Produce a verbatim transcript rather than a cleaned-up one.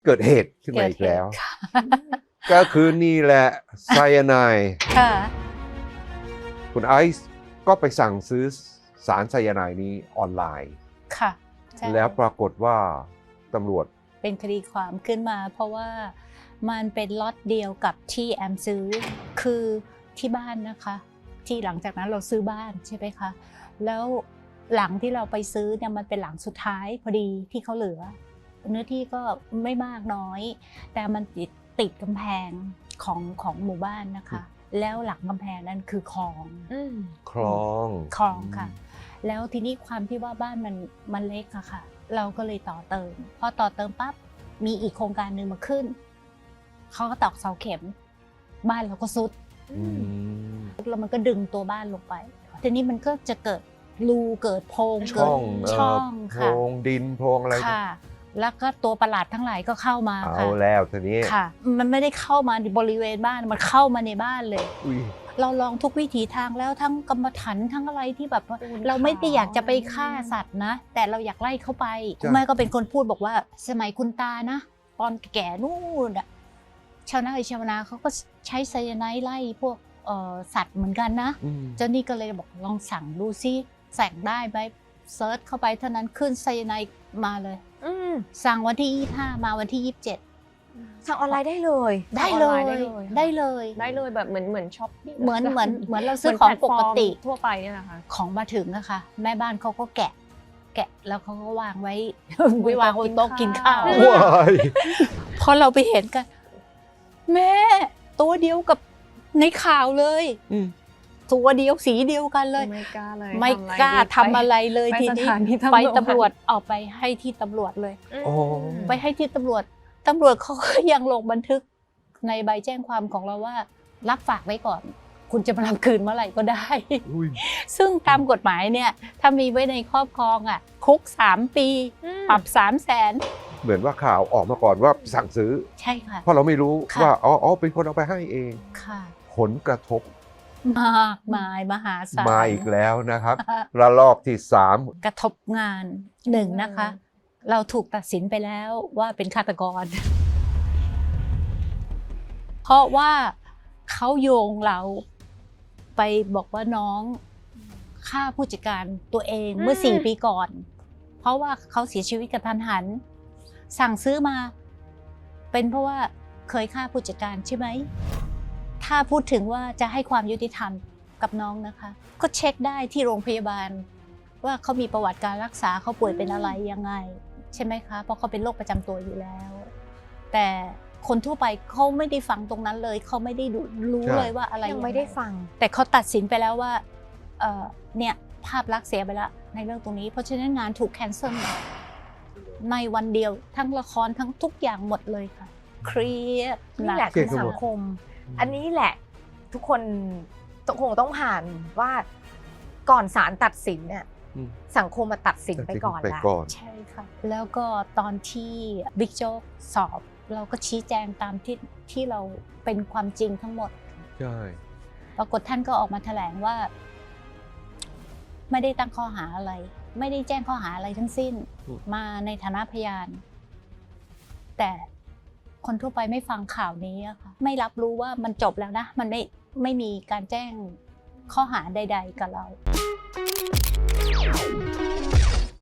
เกิดเหตุขึ้นมาอีกแล้วก็คือนี่แหละไซยาไนด์คุณไอซ์ก็ไปสั่งซื้อสารไซยาไนด์นี้ออนไลน์ค่ะแล้วปรากฏว่าตำรวจเป็นคดีความขึ้นมาเพราะว่ามันเป็นล็อตเดียวกับที่แอมซื้อคือที่บ้านนะคะที่หลังจากนั้นเราซื้อบ้านใช่ไหมคะแล้วหลังที่เราไปซื้อเนี่ยมันเป็นหลังสุดท้ายพอดีที่เขาเหลือเนื้อที่ก็ไม่มากน้อยแต่มันติดติดกำแพงของของหมู่บ้านนะคะแล้วหลังกำแพงนั้นคือคลองคลองคลองค่ะแล้วทีนี้ความที่ว่าบ้านมันมันเล็กอะค่ะเราก็เลยต่อเติมพอต่อเติมปั๊บมีอีกโครงการหนึ่งมาขึ้นเขาก็ตอกเสาเข็มบ้านเราก็ซุดแล้วมันก็ดึงตัวบ้านลงไปทีนี้มันก็จะเกิดรูเกิดโพรงเกิดช่องค่ะโพรงดินโพรงอะไรค่ะแล้วก็ตัวประหลาดทั้งหลายก็เข้ามาค่ะเอาแล้วทีนี้ค่ะมันไม่ได้เข้ามาในบริเวณบ้านมันเข้ามาในบ้านเลยเราลองทุกวิถีทางแล้วทั้งกรรมฐานทั้งอะไรที่แบบเราไม่ได้อยากจะไปฆ่าสัตว์นะแต่เราอยากไล่เข้าไปคุณแม่ก็เป็นคนพูดบอกว่าสมัยคุณตานะตอนแก่นู่นอะชาวนาชาวนาเขาก็ใช้ไซยาไนด์ไล่พวกสัตว์เหมือนกันนะเจ้านี่ก็เลยบอกลองสั่งดูซิสั่งได้ไหมเซิร์ชเข้าไปเท่านั้นขึ้นไซยาไนด์มาเลยสั่งวันที่ยี่สิบห้ามาวันที่ยี่สิบเจ็ดสั่งออนไลน์ได้เลยได้เลยได้เลยได้เลยแบบเหมือนเหมือนช็อปเหมือนเหมือนเหมือนเราซื้อของปกติทั่วไปเนี่ยนะคะของมาถึงนะคะแม่บ้านเขาก็แกะแกะแล้วเขาก็วางไว้ไว้วางบนโต๊ะกินข้าวพอเราไปเห็นกันแม่ตัวเดียวกับในข่าวเลยตัวเดียวสีเดียวกันเลยไม่กล้าเลยไม่กล้าทำอะไรเลยทีนี้ไปตำรวจออกไปให้ที่ตำรวจเลยไปให้ที่ตำรวจตำรวจเขาก็ยังลงบันทึกในใบแจ้งความของเราว่ารับฝากไว้ก่อนคุณจะมารับคืนเมื่อไหร่ก็ได้ซึ่งตามกฎหมายเนี่ยถ้ามีไว้ในครอบครองอ่ะคุกสามปีปรับสามแสนเหมือนว่าข่าวออกมาก่อนว่าสั่งซื้อใช่ค่ะเพราะเราไม่รู้ว่าอ๋ออ๋อเป็นคนเอาไปให้เองค่ะผลกระทบมากมายมหาศาลมาอีกแล้วนะครับระลอกที่สามกระทบงานหนึ่งนะคะเราถูกตัดสินไปแล้วว่าเป็นฆาตกรเพราะว่าเขาโยงเราไปบอกว่าน้องฆ่าผู้จัดการตัวเองเมื่อสี่ปีก่อนเพราะว่าเขาเสียชีวิตกระทันหันสั่งซื้อมาเป็นเพราะว่าเคยฆ่าผู้จัดการใช่ไหมถ้าพูดถึงว่าจะให้ความยุติธรรมกับน้องนะคะก็เช็คได้ที่โรงพยาบาลว่าเขามีประวัติการรักษาเขาป่วยเป็นอะไรยังไงใช่ไหมคะเพราะเขาเป็นโรคประจำตัวอยู่แล้วแต่คนทั่วไปเขาไม่ได้ฟังตรงนั้นเลยเขาไม่ได้รู้เลยว่าอะไรยังไม่ได้ฟังแต่เขาตัดสินไปแล้วว่าเนี่ยภาพลักษณ์เสียไปแล้วในเรื่องตรงนี้เพราะฉะนั้นงานถูกแคนเซิลในวันเดียวทั้งละครทั้งทุกอย่างหมดเลยค่ะเครียดนี่แหละคือสังคมอันนี้แหละทุกคนคงต้องผ่านว่าก่อนศาลตัดสินเนี่ยสังคมมาตัดสินไปก่อนแล้วใช่ค่ะแล้วก็ตอนที่บิ๊กโจ๊กสอบเราก็ชี้แจงตามที่ที่เราเป็นความจริงทั้งหมดใช่ปรากฏท่านก็ออกมาแถลงว่าไม่ได้ตั้งข้อหาอะไรไม่ได้แจ้งข้อหาอะไรทั้งสิ้นมาในฐานะพยานแต่คนทั่วไปไม่ฟังข่าวนี้อะค่ะไม่รับรู้ว่ามันจบแล้วนะมันไม่ไม่มีการแจ้งข้อหาใดๆกับเรา